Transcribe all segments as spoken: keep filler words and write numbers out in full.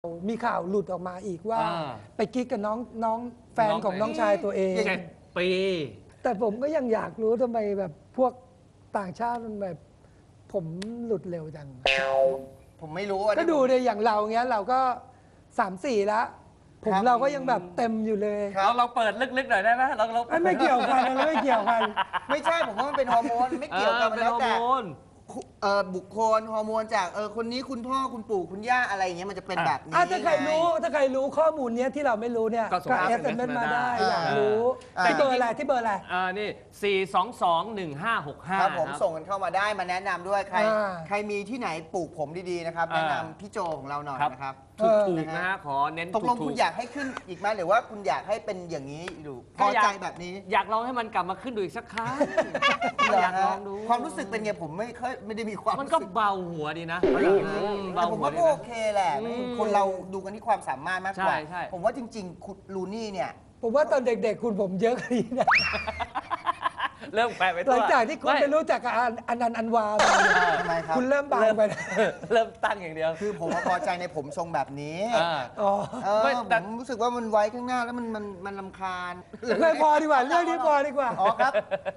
มีข่าวหลุดออกมาอีกว่าไปกิ๊กกับน้องน้องแฟนของน้องชายตัวเองเจ็ดปีแต่ผมก็ยังอยากรู้ทำไมแบบพวกต่างชาติมันแบบผมหลุดเร็วจังผมไม่รู้ก็ดูเลยอย่างเราเงี้ยเราก็สามสี่แล้วผมเราก็ยังแบบเต็มอยู่เลยเราเราเปิดลึกๆหน่อยได้ไหมเราเราไม่เกี่ยวกันเราไม่เกี่ยวกันไม่ใช่ผมว่ามันเป็นฮอร์โมนไม่เกี่ยวกันแล้วแต่บุคคลฮอร์โมนจากเออคนนี้คุณพ่อคุณปู่คุณย่าอะไรอย่างเงี้ยมันจะเป็นแบบนี้ถ้าใครรู้ถ้าใครรู้ข้อมูลเนี้ยที่เราไม่รู้เนี่ยก็เอสเอ็มเอสมาได้อยากรู้ที่เบอร์อะไรที่เบอร์อะไรอ่านี่สี่สองสองหนึ่งห้าหกห้าครับผมส่งกันเข้ามาได้มาแนะนำด้วยใครใครมีที่ไหนปลูกผมดีๆนะครับแนะนำพี่โจของเราหน่อยนะครับถูกๆนะฮะขอเน้นตกลงคุณอยากให้ขึ้นอีกไหมหรือว่าคุณอยากให้เป็นอย่างนี้ดูพอใจแบบนี้อยากลองให้มันกลับมาขึ้นดูอีกสักครั้งอยากลองดูความรู้สึกเป็นไงผมไม่เคยไม่ได้มีความมันก็เบาหัวดีนะแต่ผมว่าก็โอเคแหละคนเราดูกันที่ความสามารถมากกว่าผมว่าจริงๆคุณลูนี่เนี่ยผมว่าตอนเด็กๆคุณผมเยอะกว่านี้นะเริ่มแปลไปตัวหลังจากที่คุณไปรู้จักกับอนันต์อันวาทำไมครับคุณเริ่มบางไปเริ่มตั้งอย่างเดียวคือผมพอใจในผมทรงแบบนี้อ๋อผมรู้สึกว่ามันไว้ข้างหน้าแล้วมันมันมันรำคาญไม่พอดีกว่าเรื่องนี้พอดีกว่าอ๋อครับ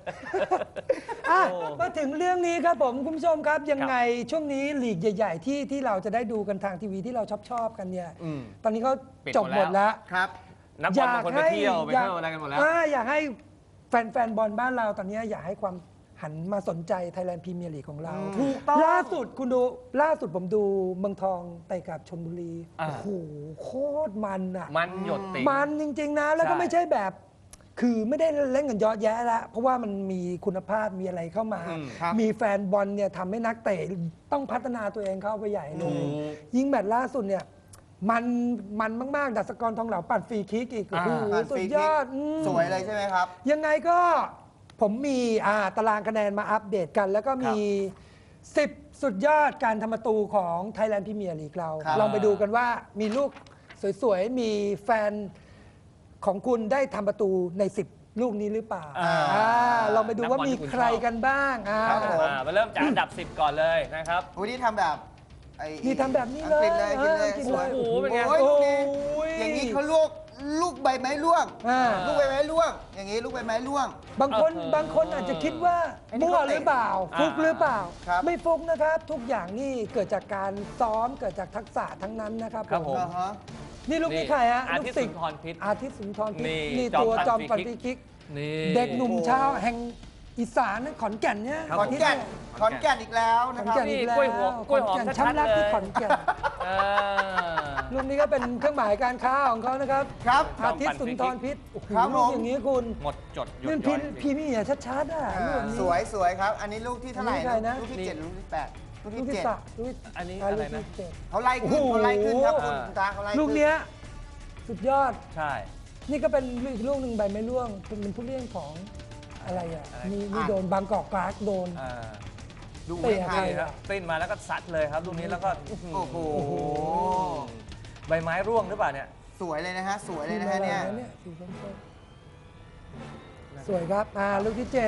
มาถึงเรื่องนี้ครับผมคุณผู้ชมครับยังไงช่วงนี้ลีกใหญ่ๆที่ที่เราจะได้ดูกันทางทีวีที่เราชอบชอบกันเนี่ยตอนนี้เขาจบหมดแล้วครับนักบอลบางคนไปเที่ยวไปเที่ยวอะไรกันหมดแล้วอยากให้แฟนๆบอลบ้านเราตอนนี้อยากให้ความหันมาสนใจไทยแลนด์พรีเมียร์ลีกของเราถูกต้องล่าสุดคุณดูล่าสุดผมดูเมืองทองไปกับชลบุรีโอ้โหโคตรมันอ่ะมันหยดติมันจริงๆนะแล้วก็ไม่ใช่แบบคือไม่ได้เล่นกันเยอะแยะแล้วเพราะว่ามันมีคุณภาพมีอะไรเข้ามามีแฟนบอลเนี่ยทำให้นักเตะต้องพัฒนาตัวเองเข้าไปใหญ่เลยยิ่งแมตช์ล่าสุดเนี่ยมันมันมากๆดัชกรทองเหลาปั่นฟรีคิกอีกโอ้โหสุดยอดสวยเลยใช่ไหมครับยังไงก็ผมมีตารางคะแนนมาอัปเดตกันแล้วก็มีสิบสุดยอดการทำประตูของ Thailand Premier League เราลองไปดูกันว่ามีลูกสวยๆมีแฟนของคุณได้ทำประตูในสิบลูกนี้หรือเปล่าลองไปดูว่ามีใครกันบ้างมาเริ่มจากอันดับสิบก่อนเลยนะครับวันนี้ทำแบบนี่ทำแบบนี้เลยกินเลยกินเลยโอ้โหเป็นไงอย่างนี้เขาลูกลูกใบไม้ร่วงลูกใบไม้ร่วงอย่างนี้ลูกใบไม้ร่วงบางคนบางคนอาจจะคิดว่ามั่วหรือเปล่าฟุกหรือเปล่าไม่ฟุกนะครับทุกอย่างนี่เกิดจากการซ้อมเกิดจากทักษะทั้งนั้นนะครับผมนี่ลูกนี่ใครฮะลูกศิษย์อาทิตย์สุนทรพิษนี่ตัวจอมปั่นฟรีคิกเด็กหนุ่มชาวแห่งอีสานขอนแก่นเนี่ยขอนแก่นขอนแก่นอีกแล้วนะครับนี่กล้วยหอมกล้วยหอมช้ำรักที่ขอนแก่นลูกนี้ก็เป็นเครื่องหมายการค้าของเขานะครับครับอาทิตย์สุนทรพิษครับผมอย่างนี้คุณหมดจดนี่พิพีมี่อ่ะชัดๆอ่ะสวยสวยครับอันนี้ลูกที่เท่าไหร่นะลูกที่เจ็ดลูกที่แปดลูกที่เจ็ดอันนี้อะไรนะเขาไล่ขึ้นเขาไล่ขึ้นครับคุณตาเขาไล่ลูกเนี้ยสุดยอดใช่นี่ก็เป็นอีกลูกหนึ่งใบไม้ร่วงเป็นผู้เล่นของอะไรอ่ะมีมีโดนบางกอกกราสโดนดูเตะไปครับปิ้นมาแล้วก็ซัดเลยครับลูกนี้แล้วก็โอ้โหใบไม้ร่วงหรือเปล่าเนี่ยสวยเลยนะฮะสวยเลยนะฮะเนี่ยสวยครับอ่าลูกที่เจ็ด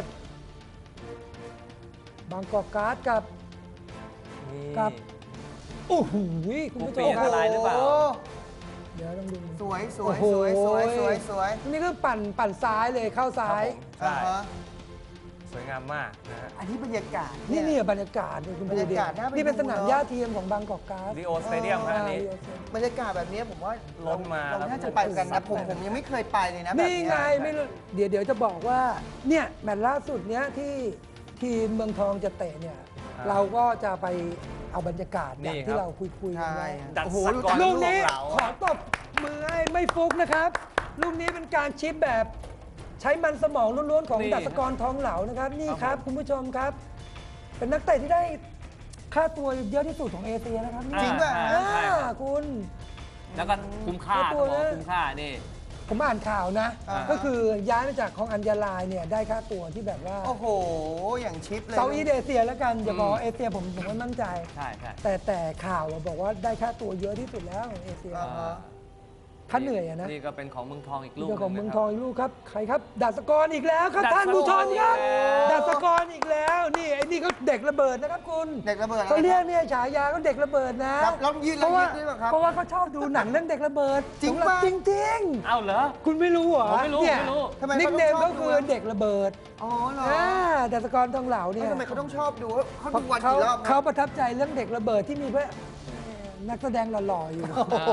บางกอกกราสกับกับโอ้โหคุณผู้ชมอะไรหรือเปล่าเดี๋ยวต้องดูสวยสวยสวยสวยสวยสวยนี่ก็ปั่นปั่นซ้ายเลยเข้าซ้ายใช่สวยงามมากนะฮะอันนี้บรรยากาศนี่นี่บรรยากาศเลยคุณผู้ชมนี่เป็นสนามหญ้าเทียมของบางกอกกราสลีโอสเตเดียมครับนี่บรรยากาศแบบนี้ผมว่าล้นมาเราน่าจะไปกันนะผมผมยังไม่เคยไปเลยนะแบบนี้นี่ไงไม่เดี๋ยวเดี๋ยวจะบอกว่าเนี่ยแมตช์ล่าสุดเนี้ยที่ทีมเมืองทองจะเตะเนี่ยเราก็จะไปเอาบรรยากาศอย่างที่เราคุยคุยกันไว้โอ้โหลูกนี้ขอตบมือให้ไม่ฟุกนะครับลูกนี้เป็นการชิปแบบใช้มันสมองล้วนๆของดัชกรทองเหลานะครับนี่ครับคุณผู้ชมครับเป็นนักเตะที่ได้ค่าตัวเยอะที่สุดของเอเชียนะครับจริงป่ะคุณแล้วก็คุ้มค่าตัวคุ้มค่านี่ผมอ่านข่าวนะก็คือย้ายมาจากของอัญญาลายเนี่ยได้ค่าตัวที่แบบว่าโอ้โหอย่างชิปเลยเซาท์อีสต์เอเชียแล้วกันอย่าบอกเอเชียผมผมไม่มั่นใจใช่ใช่แต่แต่ข่าวบอกว่าได้ค่าตัวเยอะที่สุดแล้วของเอเชียถ้าเหนื่อยอะนะนี่ก็เป็นของเมืองทองอีกลูกเรื่องของหเมืนึ่องนะทคอรับงอีกลูกครับใครครับดัชกรอีกแล้วครับดัชกรท่านผู้ชมครับอีกแล้วดัชกรอีกแล้วนี่ไอ้นี่เขาเด็กระเบิดนะครับคุณเด็กระเบิดเขาเรียกเนี่ยฉายาเขาเด็กระเบิดนะครับแล้วยืนเพแล้วราะว่ายืนด้วยเหรอครับเพราะว่าเขาชอบดูหนังเรื่องเด็กระเบิดจริงสำหบปะจริงเอ้าเหรอๆ คุณไม่รู้เหรอผมไม่รู้เนี่ยไม่รู้ทำไมนิกเขาเนต้องมชอบก็คือดูะเด็กระเบิดอ๋อเหรออ่าดัชกรทองเหลาเนี่ยทำไมเขาต้องชอบดูเขาดูวันเขากี่รอบนะเขาประทับใจเรื่องเด็กระเบิดที่มีพระนักแสดงหล่อๆอยู่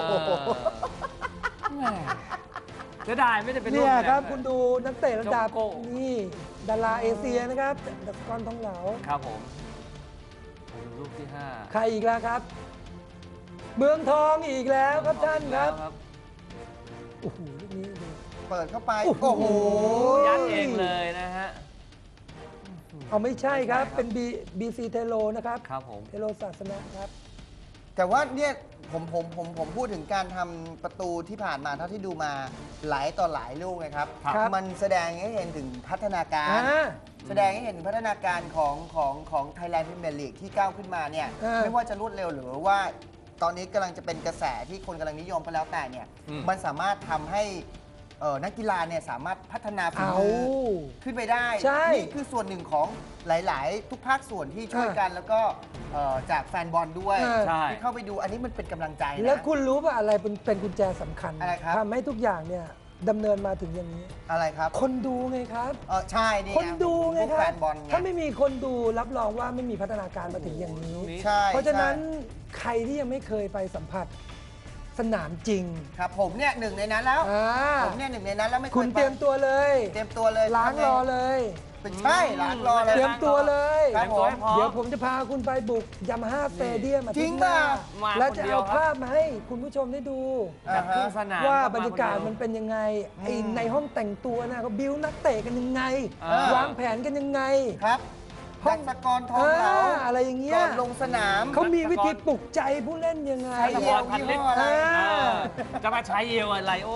แหม่เสียดายไม่ได้เป็นลูกเนี่ยครับแดงคุณดูนักเตะระดับโจโก้นี่ดาราเอเชียนะครับดัชกรทองเหลาครับผมดูลูกที่ห้าใครอีกแล้วครับ เมืองทองอีกแล้วครับท่านครับแล้วโอ้โหลูกนี้ดูเปิดเข้าไปโอ้โหโอ้โหยัดเองเลยนะฮะเอาไม่ใช่ครับไม่ใช่ครับเป็นบีบีซีเทโลนะครับครับผมเทโลศาสนะครับแต่ว่าเนี่ยผมผมผมผมพูดถึงการทำประตูที่ผ่านมาเท่าที่ดูมาหลายต่อหลายลูกนะครับครับมันแสดงให้เห็นถึงพัฒนาการอ่าแสดงให้เห็นถึงพัฒนาการของของของไทยแลนด์พรีเมียร์ลีกที่ก้าวขึ้นมาเนี่ยเออไม่ว่าจะรวดเร็วหรือว่าตอนนี้กำลังจะเป็นกระแสที่คนกำลังนิยมก็แล้วแต่เนี่ยอืมมันสามารถทำให้เอ่อนักกีฬาเนี่ยสามารถพัฒนาฝีเอามือขึ้นไปได้ใช่นี่คือส่วนหนึ่งของหลาย ๆ ทุกภาคส่วนที่ช่วยกัน แล้วก็เอ่อจากแฟนบอลด้วยเออใช่ที่เข้าไปดูอันนี้มันเป็นกำลังใจนะแล้วคุณรู้ป่ะอะไรเป็นเป็นกุญแจสำคัญอะไรครับทำให้ทุกอย่างเนี่ยดำเนินมาถึงอย่างนี้อะไรครับคนดูไงครับเออใช่นี่คนดูไงพวกคแฟรับนบอลไงถ้าไม่มีคนดูรับรองว่าไม่มีพัฒนาการมาถึงอย่างนี้ใช่เพราะฉะนั้นใช่ใครที่ยังไม่เคยไปสัมผัสสนามจริงครับผมเนี่ยหนึ่งในนั้นแล้วอ่าผมเนี่ยหนึ่งในนั้นแล้วไม่เคยคุณไปเตรียมตัวเลยเตรียมตัวเลยล้างรอเลยเป็นใช่ล้างรอเลยเตรียมตัวเลยครับผมเดี๋ยวผมจะพาคุณไปบุกยามาฮ่าสเตเดียมอาจริทิตงย์หน้าป่ะมาแล้วจะคนเดียเอาวครับภาพมาให้คุณผู้ชมได้ดูแบบครึ่งสนามว่าคบรรยากาศคมันเดียวเป็นยังไงไออืมในห้องแต่งตัวนะเขาบิวนักเตะกันยังไงอ่าวางแผนกันยังไงครับห้ดัองกสกรทองเหลาอ่าอะไรอย่างเงี้ยก่อนลงสนามเขามีวิธีปลุกใจผู้เล่นยังไงใช้เยี่ยวพันยี่ลิตห้รออะไรอ่าเออจะมาใช้เยลอะไรโอ้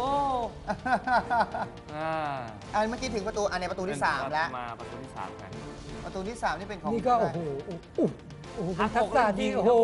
อ่าอันเมื่อกี้ถึงประตูอันในประตูที่สามแล้วมาประตูที่สามกันประตูที่สามนี่เป็นของนี่ก็โอ้โหโอ้โหโอ้โหเป็นทักษะที่หักอกแล้วยิงโอ้โห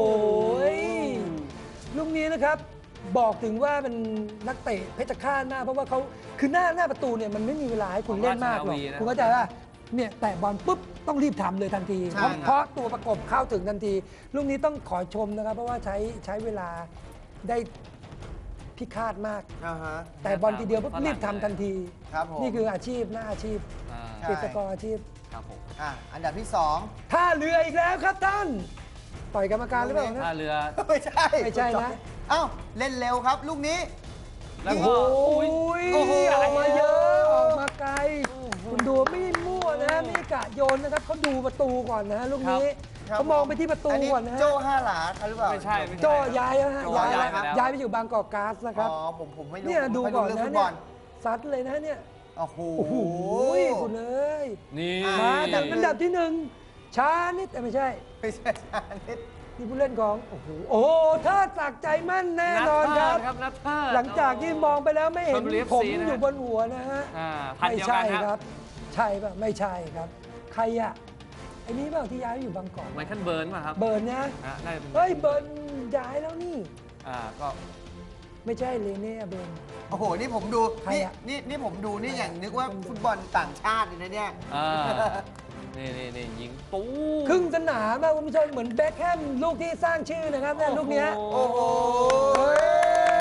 ลูกนี้นะครับ บอกถึงว่าเป็นนักเตะเพชรฆาตมากเพราะว่าเขาคือหน้าหน้าประตูเนี่ยมันไม่มีเวลาให้คุณเล่นมากหรอกคุณเข้าใจว่าเนี่ยแตะบอลปุ๊บต้องรีบทำเลยทันทีใช่เพราะครับเพราะตัวประกบเข้าถึงทันที ลูกนี้ต้องขอชมนะครับ เพราะว่าใช้ใช้เวลาได้พิฆาตมากอ่าฮะแต่บอลทีเดียวปุ๊บรีบทำทันทีครับผมนี่คืออาชีพหน้าอาชีพอ่าใช่เกษตรกรอาชีพครับผมอ่ะอันดับที่สองท่าเรืออีกแล้วครับท่านต่อยกรรมการหรือเปล่าท่านะเรือไม่ใช่ไม่ใช่นะเอ้าเล่นเร็วครับ ลูกนี้แล้วโอ้ก็โหโอ้โหออกมาเยอะออกมาไกล คุณดูไม่มั่วนะไม่กะโยนนะครับเขาดูประตูก่อนนะลูกนี้ครับเขามองไปที่ประตูอันนี้ก่อนนะฮะโจ้ห้าหลาครับหรือเปล่าไม่ใช่ไม่ใช่โจย้ายแล้วฮะโจ้ย้ายย้ายแล้วไปแล้วย้ายไปอยู่บางกอกก๊าซนะครับอ๋อผมผมไม่รู้เนี่ยดูผมก่อนไม่รู้นะเรื่องฟุตบเนี่อย ลซัดเลยนะเนี่ยโอ้โหโอ้โหคุณเอ้ยนี่อ่มาดับอันดับที่หนึ่งช้านิดเอ้ยไม่ใช่ไม่ใช่ชานิดนี่ผู้เล่นของโอ้โหโอ้โหเทิดศักดิ์ใจมั่นแน่นอนครับครับนัทเทิดหลังจากที่มองไปแล้วไม่เห็นชลบุรีผมเอฟซีนะอยู่บนหัวนะฮะอ่าพันไม่เดียวใช่กันคครัรับบ ใช่ป่ะไม่ใช่ครับ ใครอะไอ้นี้เปล่าที่ย้ายไปอยู่บางกอกไมเคิลเบิร์นมาครับเบิร์นนะอ่ะน่าจะเป็นเฮ้ยเบิร์นย้ายแล้วนี่อ่าก็ไม่ใช่เลเน่เบิร์นโอ้โห นี่ผมดูใครนี่อะนี่นี่ผมดูนี่อย่างนึกว่าฟุตบอลต่างชาติเลยนะเนี่ยอ่านี่นี่นี่ยิงปูครึ่งสนามอะคุณผู้ชมเหมือนแบ็คแฮมลูกที่สร้างชื่อนะครับเนี่ยลูกเนี้ยโอ้โหเฮ้ย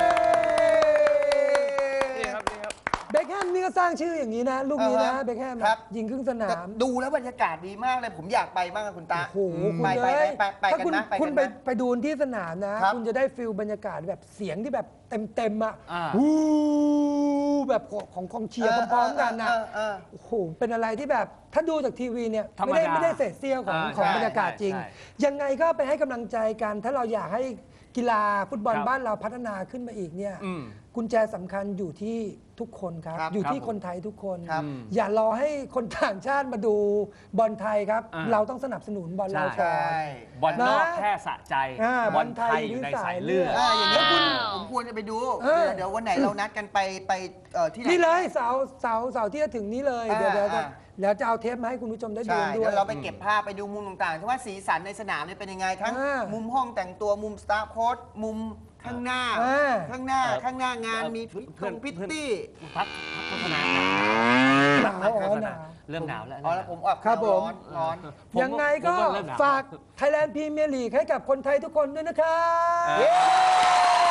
นี่ครับนี่ครับเบคแฮมนี่ก็สร้างชื่ออย่างนี้นะ ลูกนี้นะอ่าฮะเบคแฮมครับยิงครึ่งสนาแต่มดูแล้วบรรยากาศดีมากเลย ผมอยากไปบ้างอะคุณตาโอ้โหคุณไปไปเลยไปไปถ้ากันคุณนะไปคุณกันไปนะไปดูที่สนามนะครับคุณจะได้ฟิลบรรยากาศแบบเสียงที่แบบเต็มๆอ่ะอ่าวู้แบบของกองเชียร์พร้อมๆกันนะเออเออโอ้โหเป็นอะไรที่แบบถ้าดูจากทีวีเนี่ยธรรมไม่ได้ดาไม่ได้เศษเสี้ยวของอ่าของใช่บรรยากาศจริงใช่ยังไงก็ไปให้กำลังใจกัน ถ้าเราอยากให้กีฬาฟุตบอลครับบ้านเราพัฒนาขึ้นมาอีกเนี่ยอืมกุญแจสำคัญอยู่ที่ทุกคนครับครับอยู่ที่ครับคนไทยทุกคนครับอย่ารอให้คนต่างชาติมาดูบอลไทยครับอ่าเราต้องสนับสนุนบอลเราใช่ก่อนใช่บอลนอกนะแค่สะใจอ่าบอลไทยอยู่ในสายเลือดอ่าอย่างนี้ยคุณว้าวผมควรจะไปดูเออเดี๋ยวเดี๋ยววันไหนเรานัดกันไปไปเอ่อที่ไหนนี่เลยเสาร์เสาร์เสาร์ที่จะถึงนี้เลยอ่าเดี๋ยวเดี๋ยวจะอ่าแล้วจะเอาเทปมาให้คุณผู้ชมได้ดูใช่ด้วเดี๋ยยวเราไปเก็บภาพไปดูมุมต่างๆที่ว่าสีสันในสนามเนี่ยเป็นยังไง ทั้งอ่ามุมุมห้องแต่งตัวมุมสตาฟโค้ชมุมข้างหน้าเออข้างหน้าเออข้างหน้างานมีเพื่พิอนตรงพิตตี้พักพักโฆษณาหนาวอ๋อหนาวเริ่มหนาวแล้วอ๋อแล้วผมออกครับผมร้อนร้อนผมยังไงก็ผมว่เริ่มหนวฝาก Thailand Premier League ให้กับคนไทยทุกคนด้วยนะครับเออ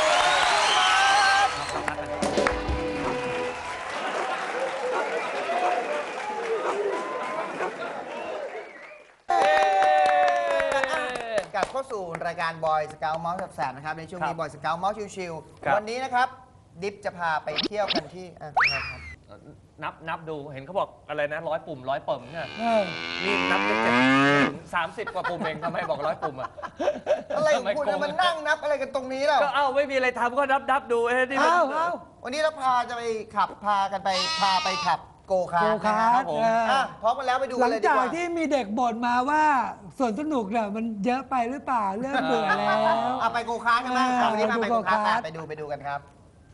กลับเข้าสู่รายการบอยสเกลเมาส์แสบๆนะครับในช่วงนี้ครับบอยสเกลเมาส์ชิวครับๆวันนี้นะครับ ดิฟจะพาไปเที่ยวกันที่อ่ะอะไรครับนับนับดูเห็นเขาบอกอะไรนะร้อยปุ่มร้อยปุ่มใช่ไหมเออนี่นับได้เจ็ดถึงสามสิบกว่าปุ่มเองทำไมบอกร้อยปุ่มอ่ะอะไรของคุณทำไโกเนี่ยมันนั่งนับอะไรกันตรงนี้แล้วก็เอ้าไม่มีอะไรทำก็นับนับดูเอ้ยนี่มันเอาเอาวันนี้เราพาจะไปขับพากันไปพาไปขับโกคาโกร์ทคานะร์คทรับผมเอออ่ะพร้อมกันแล้วไปดูหลักันงเลยดีจากกว่าที่มีเด็กบ่นมาว่าสวนสนุกเนี่ยมันเยอะไปหรือเปล่าเริ่มเบื่อแล้วอ่ะไปโกคาร์ทใช่ไหมอ่าวันนี้พาไปโกคาร์ทไปโกคาร์ทไปดูไปดูกันครับ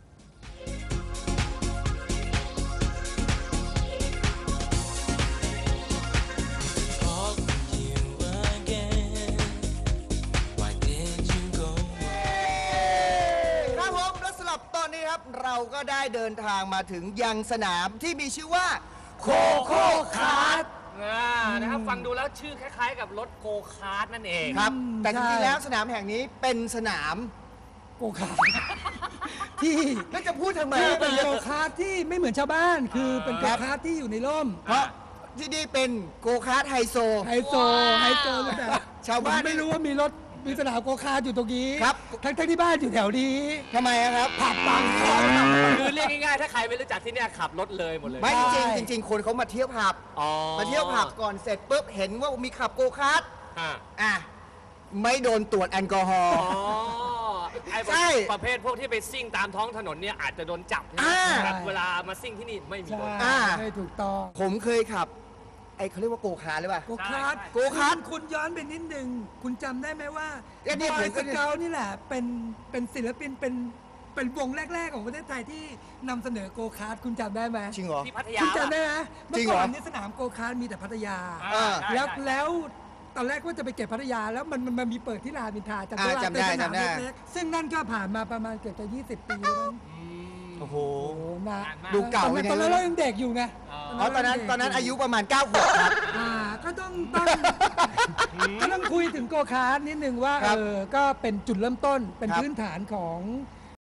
ครับผมและสำหรับตอนนี้ครับเราก็ได้เดินทางมาถึงยังสนามที่มีชื่อว่าโคโค่คาร์ทอ่านะครับฟังดูแล้วชื่อคล้ายๆ กับรถโกคาร์ทนั่นเองครับ แต่จใช่ริงๆแล้วสนามแห่งนี้เป็นสนามโกคาร์ทที่แล้วจะพูดทำไมคือเป็นโกคาร์ทที่ไม่เหมือนชาวบ้าน คือเป็นโกครับคาร์ทที่อยู่ในร่มเพราะที่นี่เป็นโกคาร์ทไฮโซไฮโซไฮโซเลยแบบชาวบ้านผมไม่รู้ว่ามีรถมีสนามโกคาร์ทอยู่ตรงนี้ครับทั้งทั้งที่บ้านอยู่แถวนี้ทำไมอะครับผับบางคอนคือเรียกง่ายๆ ถ้าใครไม่รู้จักที่เนี่ยขับรถเลยหมดเลยไม่ใช่จริงๆจริง ๆ คนเขามาเที่ยวผับอ๋อมาเที่ยวผับก่อนเสร็จปุ๊บเห็นว่ามีขับโกคาร์ทอ่าอ่ะไม่โดนตรวจแอลกอฮอล์อ๋อไอ้ใช่ประเภทพวกที่ไปซิ่งตามท้องถนนเนี่ยอาจจะโดนจับใช่ไหมอ่าแต่เวลามาซิ่งที่นี่ไม่มีใช่โดนอ่าไม่ถูกต้องผมเคยขับ ไอ้เขาเรียกว่าโกคาร์ทหรือเปล่าโกคาร์ทใช่โกคาร์ทคุณย้อนไปนิดนึง คุณจำได้ไหมว่าเอ้ยนี่บผอมยก็สเกลนี่แหละ เป็นเป็นศิลปินเป็นเป็นวงแรก ๆ ของประเทศไทยที่นำเสนอโกคาร์ทคุณจำได้ไหมจริงเหรอที่พัทยาคุณจำได้ไหมจริเมื่งอเหรอก่อนนี่สนามโกคาร์ทมีแต่พัทยาอ่าอ่าได้แล้วได้แล้วตอนแรกว่าจะไปเก็บพัทยาแล้วมันมันมันมีเปิดที่รามอินทราจำได้อ่าว่าจำได้เป็นสนามจำได้เล็กๆซึ่งนั่นก็ผ่านมาประมาณเกือบจะยี่สิบปีแล้วมั้งอืมโอ้โหโอ้โหนะนานมากดูเก่าตอนไปนั้นไงตอนนั้นเรายังเด็กอยู่ไงอ๋อตอนนั้นตอนนั้นอายุประมาณ9ขวบครับอ่าก็ต้องต้องก็ต้องคุยถึงโกคาร์ทนิดนึงว่าครัเอบ อก็เป็นจุดเริ่มต้นเป็นครับพื้นฐานของ